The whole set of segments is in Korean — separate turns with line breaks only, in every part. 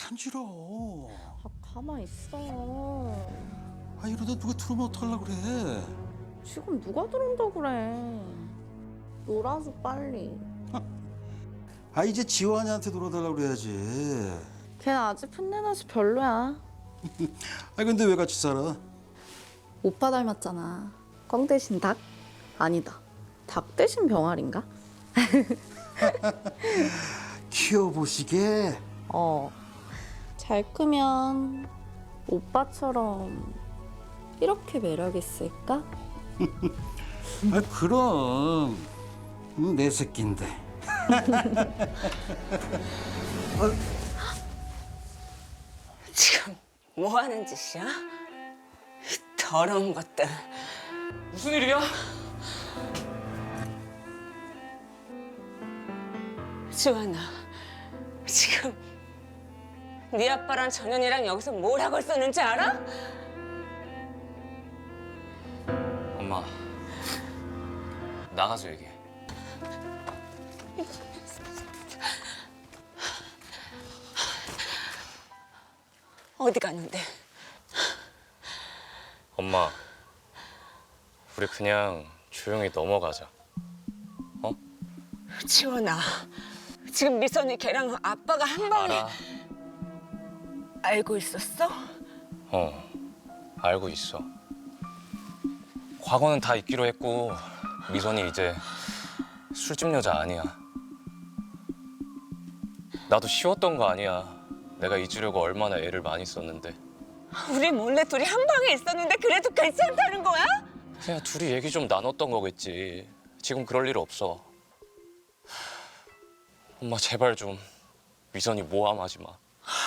간지러워.
아, 가만 있어.
아, 이러다 누가 들어오면 어떡하려고 그래.
지금 누가 들어온다고 그래. 놀아줘 빨리.
아, 이제 지환이한테 놀아달라고 그래야지.
걔는 아직 풋내나서 별로야.
아, 근데 왜 같이 살아?
오빠 닮았잖아. 꽝 대신 닭? 아니다. 닭 대신 병아리인가?
키워보시게.
잘 크면 오빠처럼 이렇게 매력 있을까?
아, 그럼. 내 새끼인데.
지금 뭐 하는 짓이야? 더러운 것들.
무슨 일이야?
지환아, 지금 네 아빠랑 전현이랑 여기서 뭘 하고 있었는지 알아?
엄마, 나가서 얘기해.
어디 갔는데?
엄마, 우리 그냥 조용히 넘어가자. 어?
지원아, 지금 미선이 걔랑 아빠가 한 방에
알아.
알고 있었어?
알고 있어. 과거는 다 잊기로 했고 미선이 이제 술집 여자 아니야. 나도 쉬웠던 거 아니야. 내가 잊으려고 얼마나 애를 많이 썼는데.
우리 몰래 둘이 한 방에 있었는데 그래도 괜찮다는 거야?
그냥 둘이 얘기 좀 나눴던 거겠지. 지금 그럴 일 없어. 엄마 제발 좀 미선이 모함하지 마.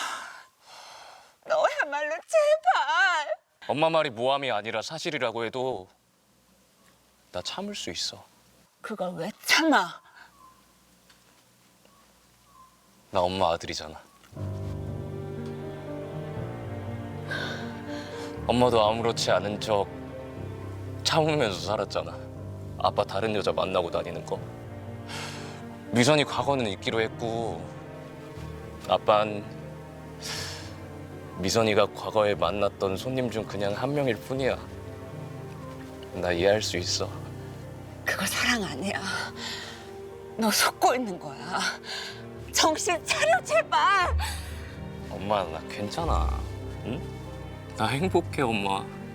너야말로 제발.
엄마 말이 모함이 아니라 사실이라고 해도 나 참을 수 있어.
그걸 왜 참아?
나 엄마 아들이잖아. 엄마도 아무렇지 않은 척 참으면서 살았잖아. 아빠 다른 여자 만나고 다니는 거. 미선이 과거는 잊기로 했고 아빤 미선이가 과거에 만났던 손님 중 그냥 한 명일 뿐이야. 나 이해할 수 있어.
그거 사랑 아니야. 너 속고 있는 거야. 정신 차려 제발.
엄마 나 괜찮아. 응? 나 행복해 엄마.